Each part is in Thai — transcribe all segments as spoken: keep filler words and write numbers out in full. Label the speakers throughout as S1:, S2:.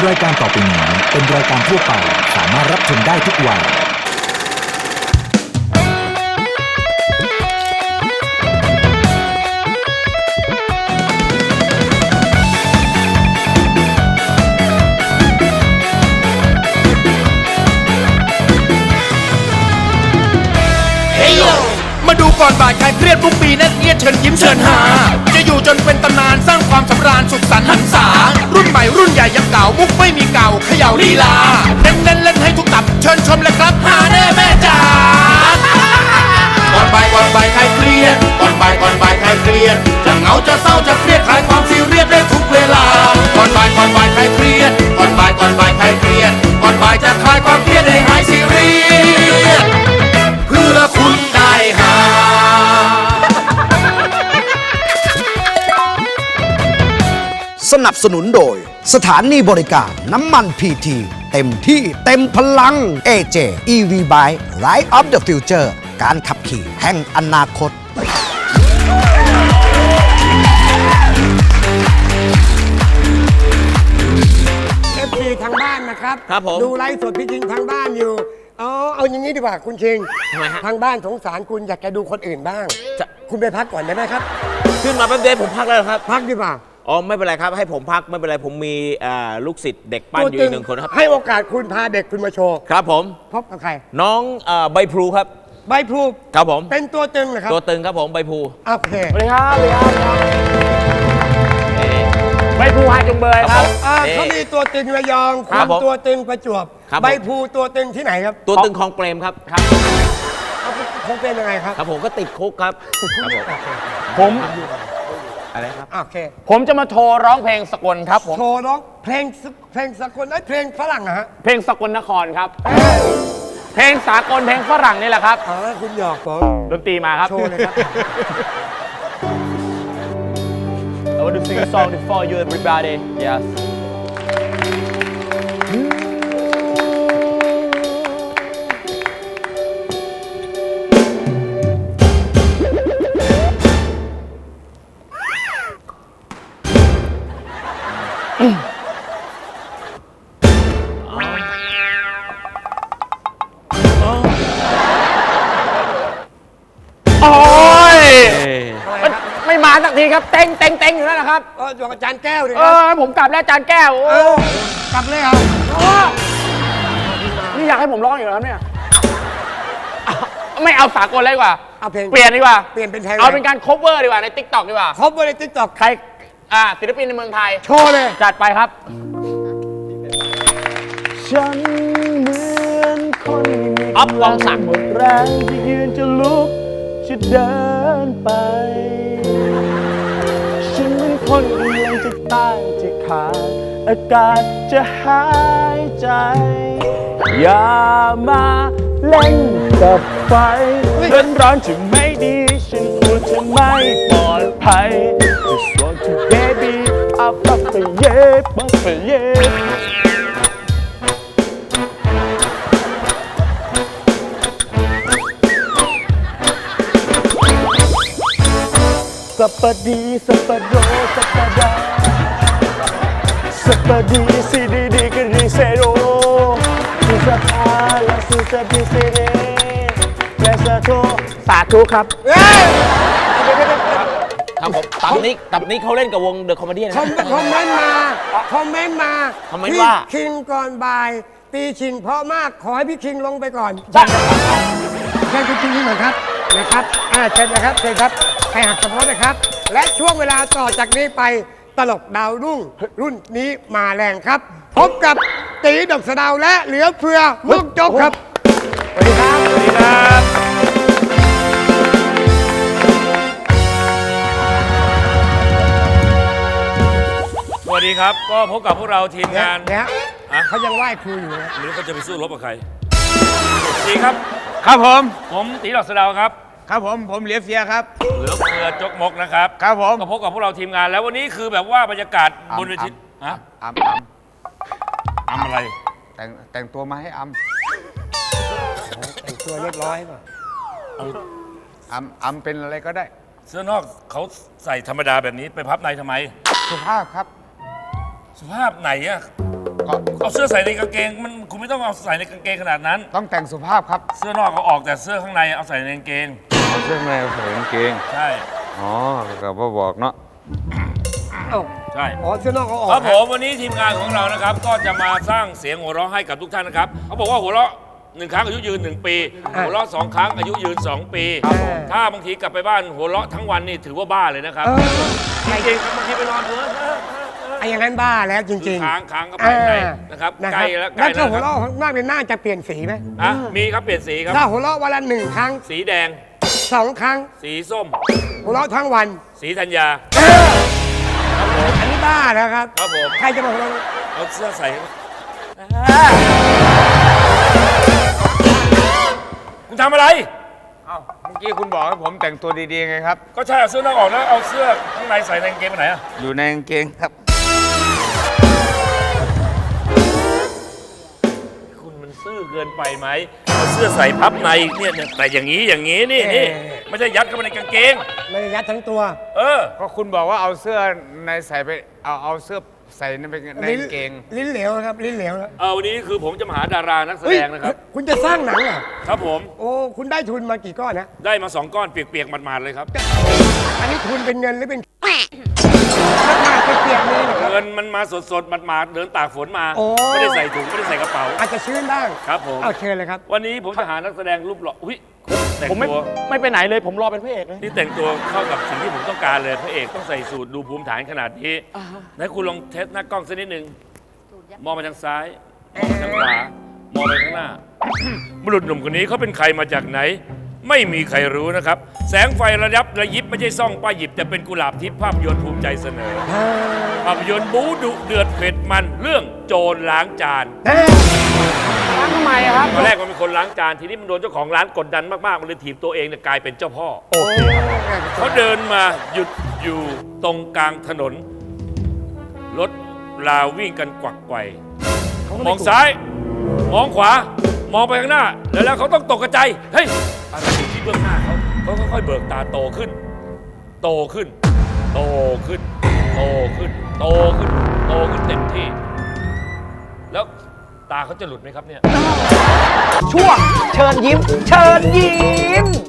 S1: รายการต่อไปนี้เป็นรายการทั่วไปสามารถรับชมได้ทุกวัย
S2: มาดูก่อนบ่ายใครเครียดทุกปีนั่นเอียดเชิญยิ้มเชิญหาจะอยู่จนเป็นตำนานสร้างความสำราญสุขสันต์หันษารุ่นใหม่รุ่นใหญ่ยังเก่ามุกไม่มีเก่าเขย่าลีลาเน้นเล่นเล่นให้ทุกตับเชิญชมเลยครับหาแน่แม่จ๋าก่อนบ่ายก่อนบ่ายใครเครียดก่อนบ่ายก่อนบ่ายใครเครียดจะเหงาจะเศร้าจะเครียดคลายความซีเรียสได้ทุกเวลาก่อนบ่ายก่อนบ่ายใครเครียดก่อนบ่ายก่อนบ่ายใครเครียดก่อนบ่ายจะคลายความเครียดให้หายซีเรียสเพื่อคุณได้หา
S3: สนับสนุนโดยสถานีบริการน้ำมันพีทีเต็มที่เต็มพลัง เอ เจ อี วี Bike Ride of the Future การขับขี่แห่งอนาคต
S4: เอฟซีทางบ้านนะครับ
S2: ครับผม
S4: ดูไลฟ์สดพี่ชิงทางบ้านอยู่เอาเอาอย่างนี้ดีกว่าคุณชิง
S2: ทำไมฮะ
S4: ทางบ้านสงสารคุณอยากจะดูคนอื่นบ้าง
S2: จะ
S4: คุณไปพักก่อนได้ไหมครับ
S2: ขึ้นมาแป๊บเดียวผมพักแล้วครับ
S4: พักดีกว่า
S5: อ๋อไม่เป็นไรครับให้ผมพักไม่เป็นไรผมมีอ่าลูกศิษย์เด็กปั้นอยู่อีกหนึ่งคนครับ
S4: ให้โอกาสคุณพาเด็กคุณมาโชว์
S5: ครับผม
S4: พบกับใคร
S5: น้องอ่าใบพลูครับ
S4: ใบพลู
S5: ครับผม
S4: เป็นตัวตึงเหรอครับ
S5: ตัวตึงครับผมใบพลู
S4: โอเค
S5: สวัสดีครับสวัสดีครับใบพลูฮาจุงเบยครับ
S4: อ่า
S5: นี่
S4: เขามีตัวตึงระยอง
S5: ครั
S4: คุ
S5: บ
S4: ณ
S5: ผม
S4: ตัวตึงประจวบ
S5: ครับผม
S4: ใบพลูตัวตึงที่ไหนครับ
S5: ตัวตึงคลองเปรมครับครับ
S4: เขาคงเป็นยังไงครับ
S5: ครับผมก็ติดคุกครับครับผม
S6: ผม
S5: อะไรครับ
S4: โอเค
S6: ผมจะมาโชว์ร้องเพลงสกลครับผม
S4: โชว์ร้องเพลงสเพลงสากลไอ้ยเพลงฝรั่งอะฮะ
S6: เพลงสกลนครครับ เพลงสากลเพลงฝรั่งนี่แหละครับ
S4: อ๋อคุณหยอกผม
S6: ดนตรีมาครับ
S4: โชว์เลยครับ
S6: I want to sing a song for you everybody yesโอ้ยมันไม่มาสักทีครับ เต็งเต็งเต็งอยู่นั่นแหละครับ
S4: เอออยู่กับอาจารย์แก้วดิ
S6: เอ
S4: ครับ
S6: อผมกลับแล้วอาจารย์แก้ว
S4: เอ
S6: โอ้
S4: อกลับเลยเหรอ
S6: โอ้นี่อยากให้ผมร้องอยู่แล้วเนี่ยอ่ะไม่เอาสากลเลยดีกว่า
S4: เอาเพลง
S6: เปลี่ยนดีกว่า
S4: เปลี่ยนเป็นเพลง
S6: เอาเป็นการ cover ดีกว่าใน ติ๊กต็อก ดีกว่า
S4: ครบในติ๊กต็อก
S6: ใคร อ่าศิลปินในเมืองไทย
S4: โชว์เลย
S6: จัดไปครับ ฉันเหมือนคนมี
S5: อ๊อฟปองศักดิ์
S6: หมดแรงที่ยืนจะลุกจะเดินไป ฉันเหมือนคนกำลังจะตายจะขาดอากาศจะหายใจ อย่ามาเล่นกับไฟร้อนร้อนจะไม่ดี ฉันกลัวจะไม่ปลอดภัย Just want to baby up up the yeah up the yeah สัปปะดีสัปปะโดสัปปะดาสัปปะดีซีดีดีกรีเซโรสุสภาและสุสพิเซเรและสาธุสาธุครับ
S4: เอ้ย
S5: ครับผมตับนี้ตับนี้เขาเล่นกับวงเดอะคอมเมดี้นะ
S4: คอมคอมเมนต์มาคอมเมนต์มา
S5: คอมเมนต์ว่า
S4: พี่คิงก่อนบ่าย ตีชิงเพราะมากขอให้พี่คิงลงไปก่อนเชิญคุณคิงที่หน่อยครับนะครับอ่าเชิญนะครับเชิญครับให้หักกระเพาะนะครับ และช่วงเวลาต่อจากนี้ไปตลกดาวรุ่งรุ่นนี้มาแรงครับ พบกับตีดอกสะเดาวและเหลือเฟือมุกจกครับสวัสดีครับ
S6: สวัสดีครับ
S7: สวัสดีครับ ก็พบกับพวกเราทีมงาน
S4: เนี่ย
S7: อะ
S4: เขายังไหว้ครูอยู่นะ
S7: หรือเขาจะไปสู้รบกับใครดีครับ
S6: ครับผม
S7: ผมตีดอกสะเดาวครับ
S6: ครับผม ผมเหลียเฟียครับ
S7: เหลือเฟือจกมกนะครับ
S6: ครับผม
S7: ก็พบกับพวกเราทีมงาน แล้ววันนี้คือแบบว่าบรรยากาศบนเวทีฮะ
S8: อัมอัม
S7: ทำอะไร
S8: แต่งแต่งตัวมาให้อัม
S4: แต่งตัวเรียบร้อยป่ะ
S8: อัมอัมเป็นอะไรก็ได้
S7: เสื้อนอกเขาใส่ธรรมดาแบบนี้ไปพับในทำไม
S8: สุภาพครับ
S7: สุภาพไหนอะ
S8: ก็
S7: เอาเสื้อใส่ในกางเกงมันคุณไม่ต้องเอาใส่ในกางเกงขนาดนั้น
S8: ต้องแต่งสุภาพครับ
S7: เสื้อนอกเอาออกแต่เสื้อข้างในเอาใส่ในกางเกง
S8: เอาเสื้อในใส่กางเกง
S7: ใช่
S8: อ๋อก็พ่อบอกเนาะ
S4: เอ้า
S7: ใช่
S4: อ๋อเสื้อนอกเขาออก
S7: ครับผมวันนี้ทีมงานของเรานะครับ ก็จะมาสร้างเสียงหัวเราะให้กับทุกท่านนะครับเขาบอกว่าหัวเราะหนึ่งครั้งอายุยืนหนึ่งปี หัวเราะสองครั้งอายุยืนสองปี ถ้าบางทีกลับไปบ้านหัวเราะทั้งวันนี่ถือว่าบ้าเลยนะครับ
S4: เออ
S7: จริงๆบางทีไปนอนเถอะ
S4: ไอ้อย่างนั้นบ้าแล้วจ
S7: คื
S4: ริ
S7: อง
S4: ๆ
S7: ค้างค้างก็ไปไหนนะครับ
S4: นะ
S7: ใก
S4: ค
S7: ล้
S4: รับ
S7: แล้วใก
S4: แล้
S7: ล้ว
S4: ถ้า
S7: แล้ว
S4: หัว
S7: ครับ
S4: เราะมากเป็นหน้าจะเปลี่ยนสีไหม
S7: อ่ะมีครับเปลี่ยนสีครับ
S4: ถ้าหัวเราะวันละหนึ่งครั้ง
S7: สีแดง
S4: สองครั้ง
S7: สีส้ม
S4: หัวเราะทั้งวัน
S7: สีธัญญา
S4: อันนี้บ้าแล้วครับ
S7: ครับผม
S4: ใครจะมาหัวเราะ
S7: เอาเสื้อใส่คุณทำอะไร
S8: เอ้าเมื่อกี้คุณบอกให้ผมแต่งตัวดีๆไงครับ
S7: ก็ใช่เอาเสื้อนอกออกแล้วเอาเสื้อข้างในใส่ในกางเกงไปไหนอะ
S8: อยู่ในกางเกงครับ
S7: คุณมันซื่อเกินไปไหมเอาเสื้อใส่พับในเนี่ยเนี่ยแต่อย่างนี้อย่างนี้นี่นี่ไม่ใช่ยัดเข้าไปในกางเกง
S4: ไม่ได้ยัดทั้งตัว
S7: เออ
S8: ก็คุณบอกว่าเอาเสื้อในใส่ไป เอาเอาเสื้อใส่ในไปในกางเกง
S4: ลิ้นเหลวนะครับลิ้นเหลวแล้ว
S7: เออวันนี้คือผมจะมาหาดารานักแสดงนะครับ
S4: เฮ้ยคุณจะสร้างหนังเหรอ
S7: ครับผม
S4: โอ้คุณได้ทุนมากี่ก้อนนะ
S7: ได้มาสองก้อนเปียกๆหมาดๆเลยครับ
S4: อันนี้ทุนเป็นเงินหรือเป็นราคาเปียกๆเลยนะครับ
S7: เงินมันมาสดๆหมาดๆเดินตากฝนมา
S4: โอ้
S7: ไม่ได้ใส่ถุงไม่ได้ใส่กระเป๋า
S4: อาจจะชื้นบ้าง
S7: ครับผม
S4: เอาเชิญเลยครับ
S7: วันนี้ผมจะหานักแสดงรูปหล่ออุ้ยแต่ง
S6: ผมไม่
S7: ตัว
S6: ไม่ไปไหนเลยผมรอเป็นพระเอกเลย
S7: นี่แต่งตัวเข้ากับสิ่งที่ผมต้องการเลยพระเอกต้องใส่สูทดูภูมิฐานขนาดนี้ไหนคุณลองเทสหน้ากล้องสักนิดหนึ่งมองไปทางซ้ายมองไปทางขวามองไปข้างหน้า บุรุษหนุ่มคนนี้เขาเป็นใครมาจากไหน ไม่มีใครรู้นะครับ แสงไฟระยับระยิบไม่ใช่ซ่องป้ายหยิบแต่เป็นกุหลาบทิพย์ภาพยนตร์ภูมิใจเสนอภาพยนตร์บู๊ดุเดือดเผ็ดมันเรื่องโจรล้างจาน
S6: ล้างทำไมอะครับ
S7: ตอนแรกมันเป็นคนล้างจานทีนี้มันโดนเจ้าของร้านกดดันมากๆมันเลยถีบตัวเองเนี่ยกลายเป็นเจ้าพ่อ
S4: โอ้โห
S7: เขาเดินมาหยุดอยู่ตรงกลางถนน รถราวิ่งกันกวักไกวมองซ้าย มองขวา มองไปข้างหน้า แล้วแล้วเขาต้องตกกระใจายเฮ้ยอะไรอยู่ที่เบื้องหน้าเขาเขาค่อยๆเบิกตาโตขึ้น โตขึ้น โตขึ้น โตขึ้น โตขึ้น โตขึ้นเต็มที่ แล้วตาเขาจะหลุดไหมครับเนี่ย
S3: ช่วงเชิญยิ้ม เชิญยิ้ม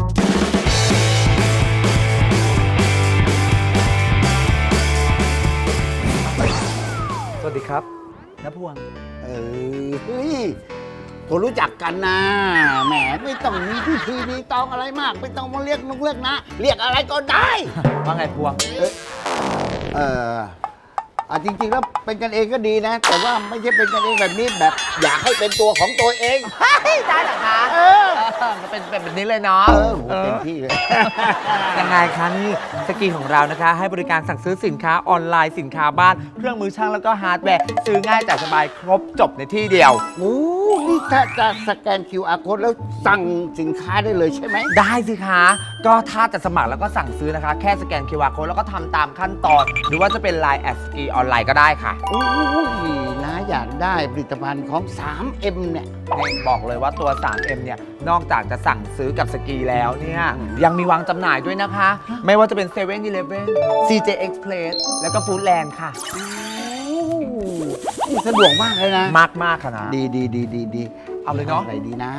S1: สวัสดีครับน้าพวง
S9: เออเฮ้ยก็รู้จักกันนะแหมไม่ต้องมีพิธีรีตองอะไรมาก ไม่ต้องมาเรียกนุกเรียกนะ เรียกอะไรก็ได้
S1: ว่าไงพวง
S9: เอออ่ะจริงๆแล้วเป็นกันเองก็ดีนะ แต่ว่าไม่ใช่เป็นกันเองแบบนี้แบบ อยากให้เป็นตัวของตัวเอง
S10: ได้เหรอคะ
S9: เออ
S10: มันเป็นแบบนี้เลยเนาะ
S9: เออโหเต็มที่เลย
S10: ยังไงคะนี่สกีของเรานะคะ ให้บริการสั่งซื้อสินค้าออนไลน์สินค้าบ้าน เครื่องมือช่างแล้วก็ฮาร์ดแวร์ ซื้อง่ายจ่ายสบายครบจบในที่เดียว
S9: โอ้นี่ถ้าจะสแกน คิว อาร์ code แล้วสั่งสินค้าได้เลยใช่ไหม
S10: ได้สิคะ ก็ถ้าจะสมัครแล้วก็สั่งซื้อนะคะ แค่สแกน คิว อาร์ code แล้วก็ทำตามขั้นตอน หรือว่าจะเป็น ไลน์ แอด สกีออนไลน์ก็ได้ค่ะ
S9: โอ้ยนะอยากได้ผลิตภัณฑ์ของ ทรี เอ็ม เนี่ย
S10: นี่บอกเลยว่าตัว ทรี เอ็ม เนี่ย นอกจากจะสั่งซื้อกับสกีแล้วเนี่ย ยังมีวางจำหน่ายด้วยนะคะ ไม่ว่าจะเป็น เซเว่น อีเลฟเว่น ซี เจ Express แล้วก็ฟู้ดแลนด์ค่ะ
S9: นี่สะดวกมากเลยนะ
S10: มากมากค่ะนะ
S9: ดีดีดีดีดี
S10: เอาเลยเนาะ
S9: อะไรดีนะ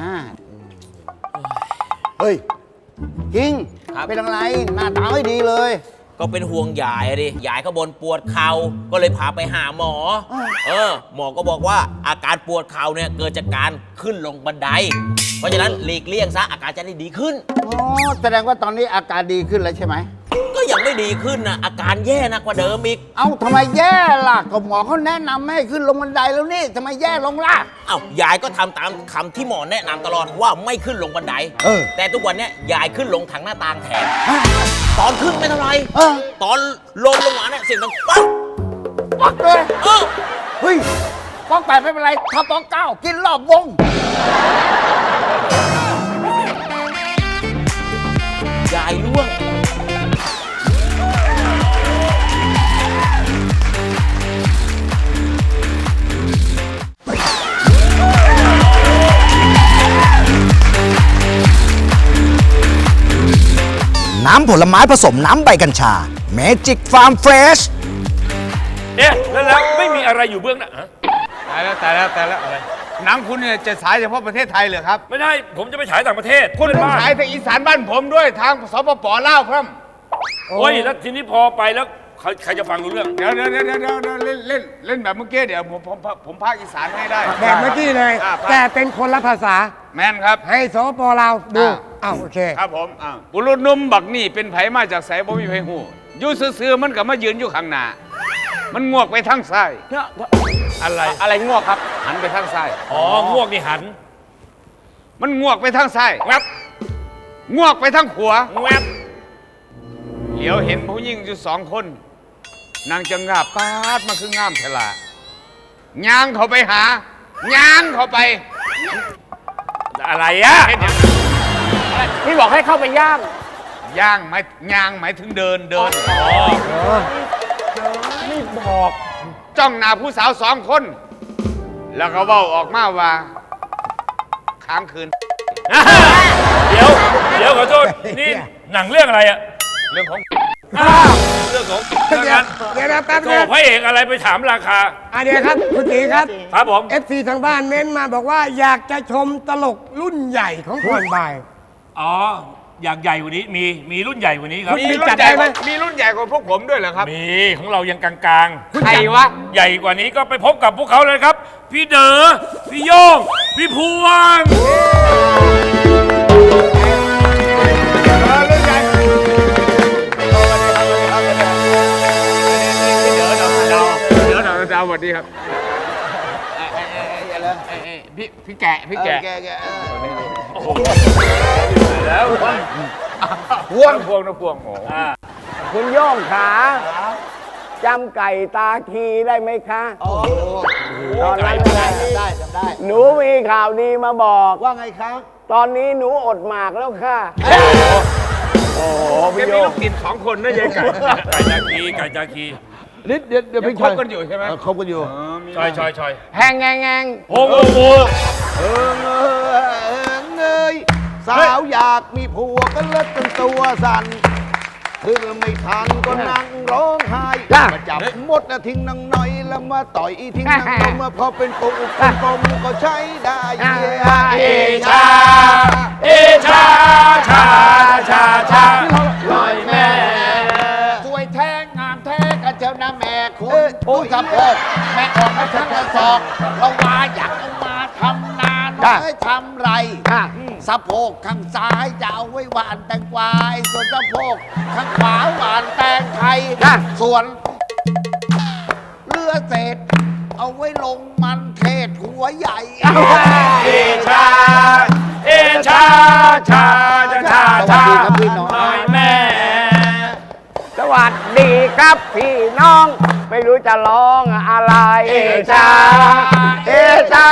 S9: เฮ้ยจริง
S5: ครับ
S9: เป็นอะไร หน้าตาไม่ดีเลย
S5: ก็เป็นห่วงยายอะดิยายเขาบนปวดเข่าก็เลยพาไปหาหมอ เออ หมอก็บอกว่าอาการปวดเข่าเนี่ยเกิดจากการขึ้นลงบันได เพราะฉะนั้นหลีกเลี่ยงซะอาการจะได้ดีขึ้น
S9: อ๋อ แสดงว่าตอนนี้อาการดีขึ้นแล้วใช่ไหม
S5: ก็ยังไม่ดีขึ้นนะอาการแย่หนักกว่าเดิมอีก
S9: เอ้าทำไมแย่ล่ะก็หมอเขาแนะนำไม่ให้ขึ้นลงบันไดแล้วนี่ทำไมแย่ลงล่ะ
S5: เอ้ายายก็ทำตามคำที่หมอแนะนำตลอดว่าไม่ขึ้นลงบันได
S9: เออ
S5: แต่ทุกวันเนี้ยยายขึ้นลงทางหน้าต่างแทน ตอนขึ้นไม่เท่าไหร
S9: เออ
S5: ตอนลงลงมาเนี่ยเสียงดังป๊อก
S9: ปักเลย
S5: เออ
S9: เฮ้ยป้องแปดไม่เป็นไรถ้าป้องเก้ากินรอบวง
S5: ยายร่วง
S3: น้ำผลไม้ผสมน้ำใบกัญชา Magic Farm Fresh
S7: เอ๊ะแล้วแล้วไม่มีอะไรอยู่เบื้องหน้าฮะ
S8: ตายแล้วตายแล้วตายแล้วอะไรหนังคุณเนี่ยจะฉายเฉพาะประเทศไทยเหรอครับ
S7: ไม่ได้ผมจะไปฉายต่างประเทศ
S8: คุณ
S7: เพื่อน
S8: ต้อง
S7: บ้าน
S8: ฉายทางอีสานบ้านผมด้วยทางสปปลาวครับ
S7: โอ้ยแล้วทีนี้พอไปแล้วใครใครจะฟังรู้เรื่อง
S8: เดี๋ยวเดี๋ยวเดี๋ยวเดี๋ยวเดี๋ยวเล่นเล่นเล่นแบบเมื่อกี้เดี๋ยวผมผมผมพากย์อีสานให้ได้
S4: แบบเมื่อกี้เลย
S8: อ่า
S4: แต่เป็นคนละภาษา
S8: แมนครับ
S4: ให้สปปลาวดู
S8: อ่า
S4: อ้าวโอเค
S8: ครับผมอ่าบุรุษหนุ่มบักนี่เป็นไผมาจากไสบ่มีไผฮู้อยู่ซื่อๆมันก็มายืนอยู่ข้างหน้ามันงวกไปทางซ้าย
S7: อะไร
S8: อะไรงวกครับหันไปทางซ้าย
S7: อ๋องวกนี่หัน
S8: มันงวกไปทางซ้าย
S7: แวบ
S8: งวกไปทางขวา
S7: แวบ
S8: เหลียวเห็นผู้หญิงอยู่สองคนนางจะงาบปาดมาคืองามเทลาย่างเขาไปหาย่างเขาไป
S7: อะไรอะ
S8: เห็นยัง
S6: พี่บอกให้เข้าไปย่าง
S8: ย่างหมายย่างหมายถึงเดินเดิน
S7: อ๋อ
S6: ไม่บอก
S8: จ้องหน้าผู้สาวสองคน แล้วก็เว้าออกมาว่าค้างคืน
S7: เดี๋ยวเดี๋ยวขอโทษนี่หนังเรื่องอะไรอะ
S8: เรื่องของ
S7: เรื่องของ
S4: เดี๋ยวเดี๋ยวนะแป๊บ
S7: โถ
S4: นึง
S7: พระเอกอะไรไปถามราคา
S4: อ่ะเดี๋ยวครับคุณตีครับ
S7: ครับผม
S4: เอฟซีทางบ้านเม้นมาบอกว่าอยากจะชมตลกรุ่นใหญ่ของก่อนบ่าย
S7: อ๋ออยากใหญ่กว่านี้มีมีรุ่นใหญ่กว่านี้ครับ
S8: มีรุ่นใหญ่กว่ามีรุ่นใหญ่กว่าพวกผมด้วยเหรอครับ
S7: มีของเรายังกลางๆ
S8: ใครวะ
S7: ใหญ่กว่านี้ก็ไปพบกับพวกเขาเลยครับ พี่เด๋อพี่โย่งพี่พวง
S8: เดี๋ยวเราดาวสวัสดีครับพี่พี่แกะพี่แกะ
S7: แล้ว
S8: พวงพวงนะพวงโอ้
S6: คุณโย่งขาจำไก่ตาคีได้ไหมคะตอนนั้นไง
S9: ได้จำได้
S6: หนูมีข่าวดีมาบอก
S9: ว่าไงครับ
S6: ตอนนี้หนูอดหมากแล้วค่ะ โอ้โห
S8: แก
S6: พี่
S8: มี
S6: โย่
S8: ลู
S6: ง
S8: กติดสองคนนะยายไก่
S7: ไก่จาคีไก่จาคี
S9: นิดเดี๋ยวเดี๋ยว
S8: ยัง
S9: พี่
S8: คบกันอยู่ใช่ไหม
S9: คบกันอยู่
S7: ชอยชอยชอย
S6: แหงแงงแงง
S7: โอ้โหโอ้โห
S9: เออเออเงยสาวอยากมีผัวก็เลิกจนตัวสั่นคือไม่ทันก็นั่งร้องไห้มาจับมดนะทิ้งนางน้อยแล้วมาต่อยทิ้งนางนมมาพอเป็นปุกเป็นกลมก็ใช้ได้
S7: เอชาเอชาชาชาชาลอยแม่
S9: สวยแท้งามแท้กันเจ้านะแม่คุณผู้สะโพกแม่ออกมาทั้งกระสอบเราว่าอยากเอามาทำนาน้อยทำไรสะโพกข้างซ้ายจะเอาไว้หวานแตงกวายส่วนสะโพกข้างขวาหวานแตงไทยส่วนเรือเศษเอาไว้ลงมันเทศหัวใหญ่
S7: เอชาเอชาชาชาชาชาลอยแม่
S6: สวัสดีครับพี่น้อง ไม่รู้จะร้องอะไร เอชา เอชา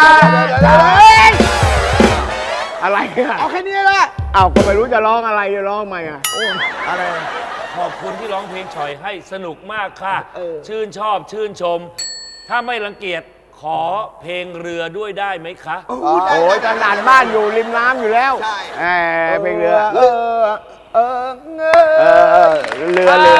S6: อะไรอะ
S9: เอาแค่นี้แหละ
S6: เอ้าก็ไม่รู้จะร้องอะไรจะร้องไหมอ่ะ
S9: อะไร
S7: ขอบคุณที่ร้องเพลงฉ่อยให้สนุกมากค่ะ
S9: เออ
S7: ชื่นชอบชื่นชม ถ้าไม่รังเกียจขอเพลงเรือด้วยได้ไหมคะ
S6: โอ้ยตอนนานบ้านอยู่ริมน้ำอยู่แล้ว
S9: ใช่
S6: แหมเพลงเรือ
S9: เออเออเง
S6: เออเออเรือเรือ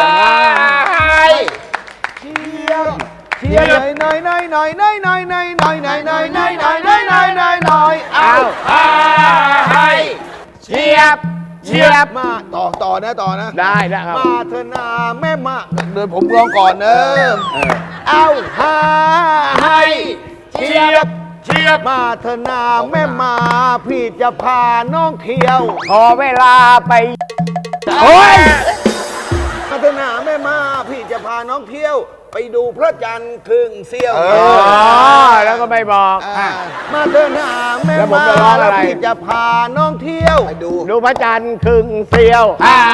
S9: เชียร์เชียร์หน่อยหน่อยหน่อยหน่อยหน่อยหน่อยหน่อยหน่อยหน่อยหน่อยหน่อยหน่อยหน่อยหน่อยหน่อยเอา
S7: ให้เชียบ
S6: เชียบ
S9: มาต่อต่อนะต่อนะ
S6: ได้ได้ครับ
S9: มาเถอะนาแม่มาเดินผมร้องก่อนเนอะเอาหาให้เชียบ
S7: เชียบ
S9: มาเถอะนาแม่มาพี่จะพาน้องเที่ยว
S6: ขอเวลาไปโอ้ย
S9: มาเถอะนาแม่มาพี่จะพาน้องเที่ยว ไปดูพระจันทร์ครึ่งเสี้ยว
S6: อ๋อแล้วก็ไม่บอก
S9: อ่ามาเถอะนาแม่
S6: แล้วผม
S9: มา
S6: จะร้องอะไร
S9: แล้วพี่จะพาน้องเที่ยวไปดู
S6: ดูพระจันทร์ครึ่งเสียว
S9: อ่า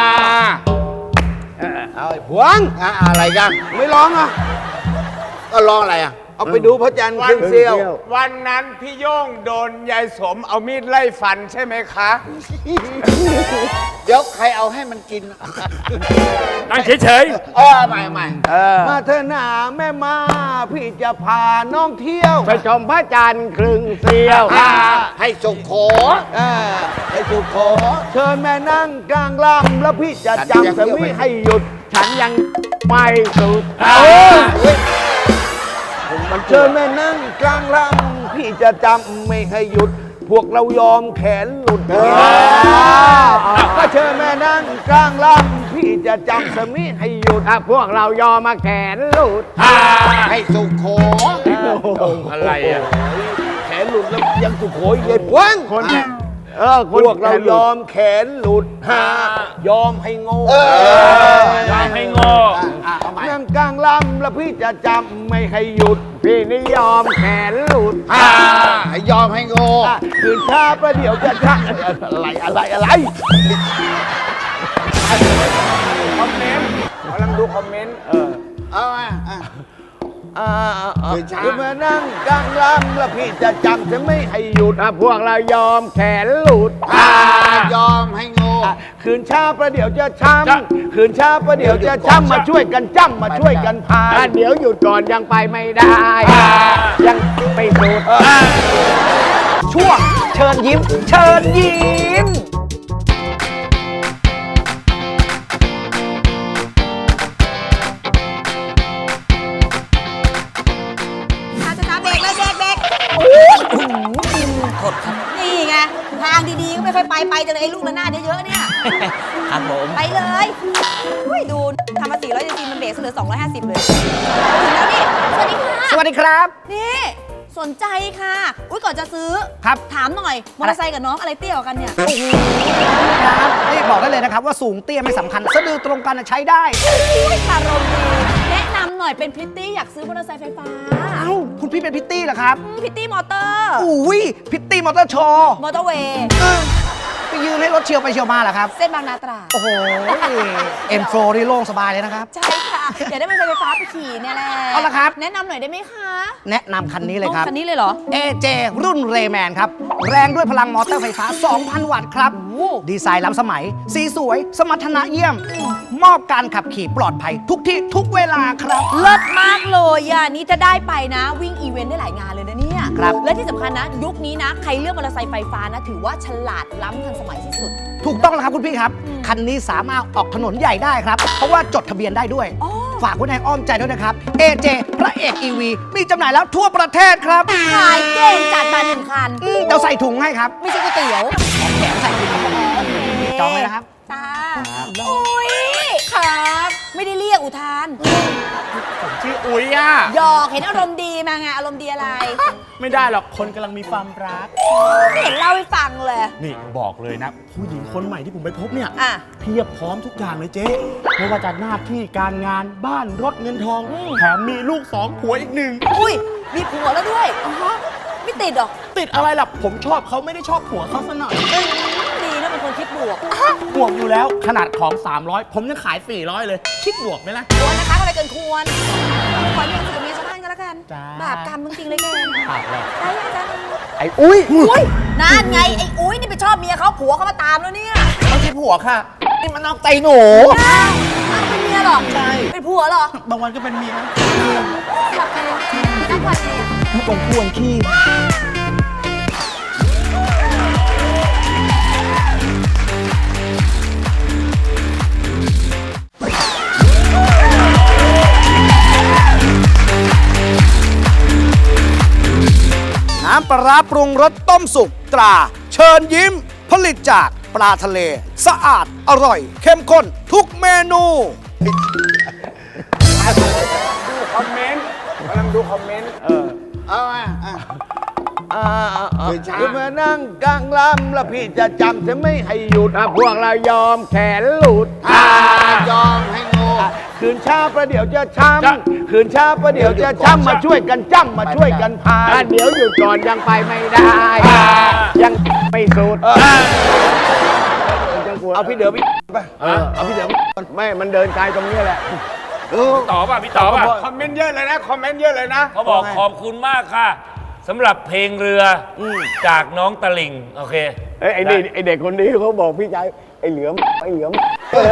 S9: เอาไอ้พวงอ่ะอะไรกันไม่ร้องอ่ะก็ร้องอะไรอ่ะเอาไปดูพระจันทร์ครึ่งเสี้ยว
S8: วันนั้นพี่โย่งโดนยายสมเอามีดไล่ฟันใช่ไหมคะ
S9: เดี๋ยวใครเอาให้มันกิน
S7: นั่งเฉย
S9: เออใหม่ใหม่
S6: เออ
S9: มาเถอะนาแม่มาพี่จะพาน้องเที่ยว
S6: ไปชมพระจันทร์ครึ่งเสียว
S9: อ่าให้สุขโขอ่าให้สุขโขเชิญแม่นั่งกลางลำแล้วพี่จะจำสมิให้หยุด
S6: ฉันยังไม่สุด
S9: เออมันเชิญแม่นั่งกลางลำพี่จะจำไม่ให้หยุด พวกเรายอมแขนหลุดก็เชิญแม่นั่งกลางลำพี่จะจำสมิให้หยุดพวกเรายอมมาแขนหลุดให้สุโข
S7: อะไรอ่ะ
S9: แขนหลุดแล้วยังสุโขเย็นวังคนเออพวกเรายอมแขนหลุดฮายอมให้โง่
S7: ยอมให้โง่
S9: นั่งกลางลำแล้วพี่จะจำไม่ให้หยุด พี่นี่ยอมแขนหลุดให้ยอมให้โง่คืนช้าประเดี๋ยวจะชักอะไรอะไรอะไรคอมเมนต์กำลังดูคอมเมนต์เออเอาอ่ะอ่าคือมานั่งกลางลำแล้วพี่จะจำจะไม่ให้หยุดพวกเรายอมแขนหลุดยอมให้โง่คืนช้าประเดี๋ยวจะช้ำคืนช้าประเดี๋ยวจะช้ำมาช่วยกันจ้ำมาช่วยกันพายเดี๋ยวหยุดก่อนยังไปไม่ได้ยังไปสุด
S3: ช่วงเชิญยิ้ม เชิญยิ้ม
S11: อาจะตาเบรกเลยเบรกเบรกโอ้ยโทษครับนี่ไงทางดีๆก็ไม่ค่อยไปไปจังเลยไอ้ลูกระนาดเยอะๆเนี่ย
S5: ครับผม
S11: ไปเลยอุ้ยดูทำมาสี่ร้อยจริงๆมันเบรกเหลือสองร้อยห้าสิบเลยถึงแล้วนี่สวัสดีค่ะ
S3: สวัสดีครับ
S11: นี่สนใจค่ะอุ้ยก่อนจะซื้อ
S3: ครับ
S11: ถามหน่อยมอเตอร์ไซค์กับน้องอะไรเตี้ยกว่ากันเนี่ย
S3: ครับนี่บอกได้เลยนะครับว่าสูงเตี้ยไม่สำคัญสะดือตรงกันใช้ได้
S11: อุ้ยคารมดีแนะนำหน่อยเป็นพริตตี้อยากซื้อมอเตอร์ไซค์ไฟฟ้า
S3: เอ้าคุณพี่เป็นพิตตี้เหรอครับ
S11: พริตตี้มอเตอร์
S3: อุ้ยพิตตี้มอเตอร์โชว์
S11: มอเตอร์เวย์
S3: ไปยืนให้รถเชียวไปเชียวมาเหรอครับ
S11: เส้นบางนาตราด
S3: โอ้โหเอ็นโฟนี่โล่งสบายเลยนะครับ
S11: ใช่ค่ะอยากได้มอเตอร์ไซค์ไฟฟ้าไปขี่เนี่ยแหละ
S3: เอาละครับ
S11: แนะนำหน่อยได้ไหมคะ
S3: แนะนำคันนี้เลยครับ
S11: คันนี้เลยเหรอ
S3: เอ เจ รุ่นเรแมนครับ แรงด้วยพลังมอเตอร์ไฟฟ้า สองพัน วัตต์ครับ ดีไซน์ล้ำสมัย สีสวย สมรรถนะเยี่ยม มอบการขับขี่ปลอดภัย ทุกที่ทุกเวลาครับ
S11: เลิศมากเลยอ่ะนี่จะได้ไปนะ วิ่งอีเวนต์ได้หลายงานเลยนะเนี่ย
S3: ครับ
S11: และที่สำคัญนะ ยุคนี้นะ ใครเลือกมอเตอร์ไซค์ไฟฟ้านะ ถือว่าฉลาดล้ำทันสมัยที่สุด
S3: ถูกต้องแล้วครับคุณพี่ครับ คันนี้สามารถออกถนนใหญ่ได้ครับ เพราะว่าจดทะเบียนได้ด้วย
S11: อ๋อ
S3: ฝากไว้ในอ้อมใจด้วยนะครับ เอ เจ พระเอก อี วี มีจำหน่ายแล้วทั่วประเทศครับ
S11: ขายเก่งจัดมาหนึ่งคัน
S3: อืมเดี๋ยวใส่ถุงให้ครับ
S11: ไม่ใช่ก๋วยเตี๋ยว
S3: แถมใส่ถุงจองเลยนะครับ
S11: จ้าอุ้ยครับ ไม่ได้เรียกอุทาน
S6: ชื่ออุ๋ยอ่ะ
S11: หยอกเห็นอารมณ์ดีมาไงอารมณ์ดีอะไร
S6: ไม่ได้หรอกคนกำลังมีความรัก
S11: ไม่เห็นเล่าให้ฟังเลย
S6: นี่บอกเลยนะ ผู้หญิงคนใหม่ที่ผมไปพบเนี่ย
S11: อ่ะ
S6: เพียบพร้อมทุกอย่างเลยเจ๊ไม่ว่าจะหน้าที่การงานบ้านรถเงินทอง แถมมีลูกสองผัวอีกหนึ่ง
S11: อุ้ยมีผัวแล้วด้วยอ๋อฮะไม่ติดหรอก
S6: ติดอะไรล่ะ ผมชอบเขาไม่ได้ชอบผัวเขาซะหน่อย
S11: ดีนะเป็นคนคิดบวก
S6: บวกอยู่แล้วขนาดของ สามร้อย ผมยังขาย สี่ร้อย เลย คิดบวกไหมล่ะ
S11: ควรนะคะอะไรเกินควรขอเรียนสุดกับเมียชาวบ้านก็แล้วกัน
S6: จ้า
S11: บาปกรรมจริงๆเลยแก
S6: ปากแหละ
S11: ได้ยังจัง
S6: ไอ้อุ้ย
S11: อุ้ยนั่นไงไอ้อุ้ยนี่ไปชอบเมียเขาผัวเขามาตามแล้วเนี่ย
S6: ไม่ใช่ผัวค่ะ นี่มันนอกใจหนู
S11: อ้าวอ้าวเป็นเมียเหรอ
S6: ใช่
S11: เป็นผัวเหรอบ
S6: างวันก็เป็นเมีย
S11: หลับไปเลยนั่งวันเอง
S6: ตรงควงขี้
S3: น้ำปลาร้าปรุงรสต้มสุกตรา เชิญยิ้ม ผลิตจากปลาทะเล สะอาด อร่อย เข้มข้น ทุกเมนู
S9: ดูคอมเมนต์กำลังดูคอมเมนต์เออเอาอ่ะอ่ะคือมานั่งกลางลำแล้วพี่จะจำจะไม่ให้หยุดพวกเรายอมแขนหลุดยอมให้โง่คืนช้าประเดี๋ยวจะช้ำคืนช้าประเดี๋ยวจะช้ำมาช่วยกันจ้ำมาช่วยกันพายเดี๋ยวหยุดก่อนยังไปไม่ได้ยังไม่สุดเอาพี่เด๋อพี่ไปเอาพี่เด๋อไม่มันเดินไกลตรงนี้แหละ
S7: ต่อป่ะพี่ต่อป่ะ
S8: คอมเมนต์เยอะเลยนะ คอมเมนต์เยอะเลยนะ
S7: เขาบอกขอบคุณมากค่ะสำหรับเพลงเรืออจากน้องตะลิงโอเค
S9: เอ้ยไอ้นี่ไอ้เด็กคนนี้เขาบอกพี่ชายไอ้เหลือมไอ้เหลือม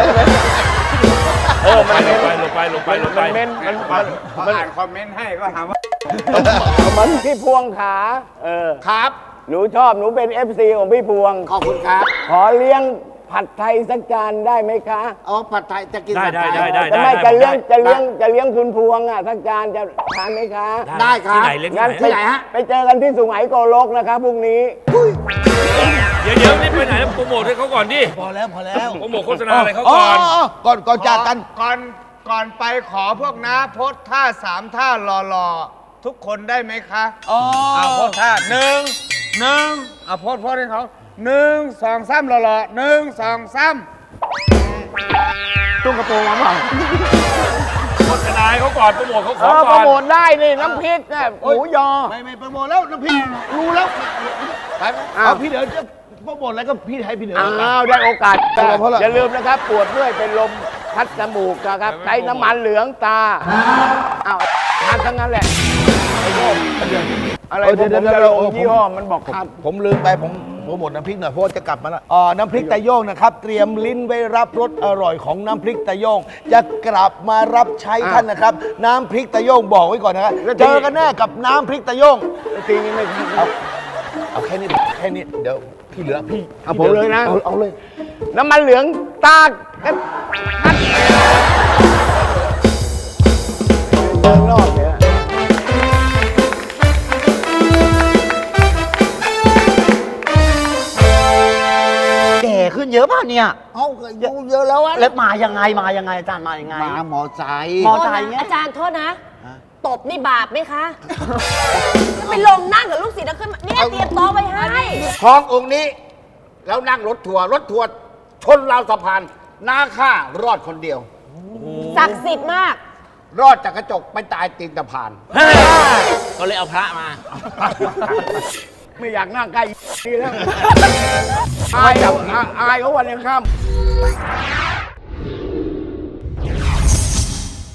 S7: เออมันลงไปลงไปลงไปลงไป
S9: มันเม้นมัน
S8: พออ่านคอมเมนต์ให้ก็ถามว่า
S9: มันพี่พวงขาเออ
S8: ครับ
S9: หนูชอบหนูเป็น เอฟ ซี ของพี่พวง
S8: ขอบคุณครับ
S9: ขอเลี้ยง
S6: ผัดไทยสักจานได้ไหมคะ
S9: อ๋อผัดไทยจะกิน
S7: ได้
S9: ผัด
S7: ได้
S9: ไทย
S7: ได้ได้
S6: จะ
S7: ได้
S6: ไม่
S7: ได้
S6: จะเลี้ยง
S7: ได้
S6: จะเลี้ยงจะเลี้ยงคุณพวงอ่ะสักจานจะทานไหมคะ
S9: ได้ครับ
S7: ที่ไหนเลี้ยง
S6: งั้น
S7: ที่
S6: ไป
S7: ไหน
S9: ที่ไหนฮะ
S6: ไปเจอกันที่สุไหงโกลกนะครับพรุ่งนี้
S7: เดี๋ยวเดี๋ยวนี่ไปไหนแล้วโปรโมทให้เขาก่อนดิ
S9: พอแล้วพอแล้ว
S7: โปรโมทโฆษณาอะไรเขาก่อน
S9: ก่อนก่อนจากกัน
S8: ก่อนก่อนไปขอพวกน้าโพสท่าสามท่าหล่อๆ ทุกคนได้ไหมคะ
S9: อ๋อ
S8: เอาโพสท่าหนึ่งหนึ่งเอาโพสโพสให้เขาหนึ่งสองสามหล่อๆหนึ่งสองสาม
S6: ตุ้งกระโปรงมาเปล่า
S7: โฆษณาให้เขาก่อนโปรโมทเขาข
S6: เอ
S7: อ
S6: อโป
S7: ก่
S6: ร
S7: อน
S6: โมทได้นี่น้ำพริกเนี่ยหมูยอ
S9: ไม่ไม่โปรโมทแล้วน้ำพริกรู้แล้วไปไป
S6: อ้าว
S9: เอาพี่เดี๋ยวจะโปรโมทอะไรก็พี่ให้พี่เดี๋ยว
S6: อ้าวได้โอกาส
S9: เอาละเพราะอะไร
S6: อย่าลืมนะครับ ปวดเมื่อยเป็นลมพัดจมูกนะครับใช้น้ำมันเหลืองตาอ้าวทานทั้งนั้นแหละไอ้โยมอะไร
S9: เออ
S6: ผม
S9: เดี๋ยว
S6: จะ
S9: เดี๋ยว
S6: ลง
S9: เออ
S6: ยี่ห้อมันบอกครับ
S9: ผมลืมไปผมโปรโมทน้ำพริกหน่อยเพราะว่าจะกลับมาแล้วอ๋อน้ำพริกตะโยงนะครับเตรียมลิ้นไว้รับรสอร่อยของน้ำพริกตะโยงจะกลับมารับใช้ท่านนะครับ น้ำพริกตะโยงบอกไว้ก่อนนะครับ
S6: แล้วที
S9: เจอกันแน่กับน้ำพริกตะโยง
S6: ทีนี้ไม่ทัน
S9: เอาเอาแค่นี้แค่นี้เดี๋ยวพี่เหลือพี่
S6: เอาผมเลยนะ
S9: เอาเอาเลย
S6: น้ำมันเหลืองตากันพัดเดินรอบเนี่ย
S12: แก่ขึ้นเยอะป่ะเนี่ย
S9: เอาอายุเยอะแล้วอะ
S12: แล้วมายังไงมายังไงอาจารย์มายังไง
S9: มาหมอใจ
S12: มอไซค์เงี้ย
S11: อาจารย์โทษนะ ตบนี่บาปไหมคะจะไปลงนั่งกับลูกศิษย์แล้วขึ้นมาเนี่ยเตรียมโต๊ะไว้ให้
S9: ทององค์นี้ แล้วนั่งรถทัวร์รถทัวร์ชนราวสะพานหน้าข้ารอดคนเดียว
S11: ศักดิ์สิทธิ์มาก
S9: รอดจากกระจกไปตายตีนสะพาน
S5: ก็เลยเอาพระมา
S6: ไม่อยากนั่งใกล้นี่แล้ว อายอ่ะอายเขาวันยังค่ำ